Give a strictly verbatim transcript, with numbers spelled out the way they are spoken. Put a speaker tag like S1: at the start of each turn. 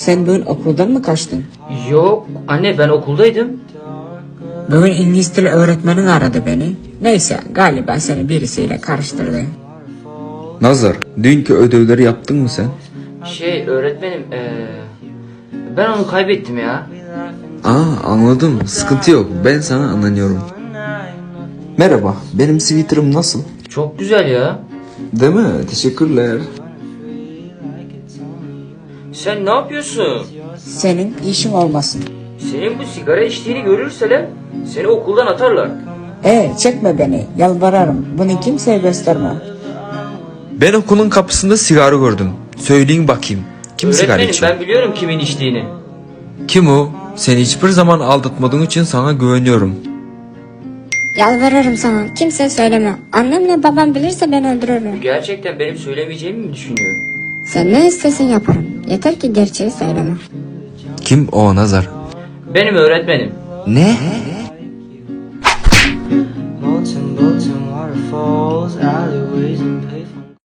S1: Sen bugün okuldan mı kaçtın?
S2: Yok anne, ben okuldaydım.
S1: Bugün İngiliz dili öğretmenin aradı beni. Neyse, galiba seni birisiyle karıştırdı.
S3: Nazar, dünkü ödevleri yaptın mı sen?
S2: Şey öğretmenim, ee, ben onu kaybettim ya.
S3: Aa, anladım. Sıkıntı yok. Ben sana anlanıyorum. Merhaba, benim Twitter'ım nasıl?
S2: Çok güzel ya.
S3: Değil mi? Teşekkürler.
S2: Sen ne yapıyorsun?
S1: Senin işin olmasın.
S2: Senin bu sigara içtiğini görürseler seni okuldan atarlar.
S1: Ee, çekme beni, yalvarırım. Bunu kimseye gösterme.
S3: Ben okulun kapısında sigara gördüm. Söyleyin bakayım. Kim sigara
S2: Öğretmenim,
S3: içiyor?
S2: ben biliyorum kimin içtiğini.
S3: Kim o? Seni hiçbir zaman aldatmadığın için sana güveniyorum.
S4: Yalvarırım sana. Kimseye söyleme. Annemle babam bilirse beni öldürürler.
S2: Gerçekten benim söylemeyeceğimi mi düşünüyor?
S4: Sen ne istersen yaparım. Yeter ki gerçeği söyleme.
S3: Kim o Nazar?
S2: Benim öğretmenim.
S3: Ne?
S5: Molten, molten waterfalls, alleyway.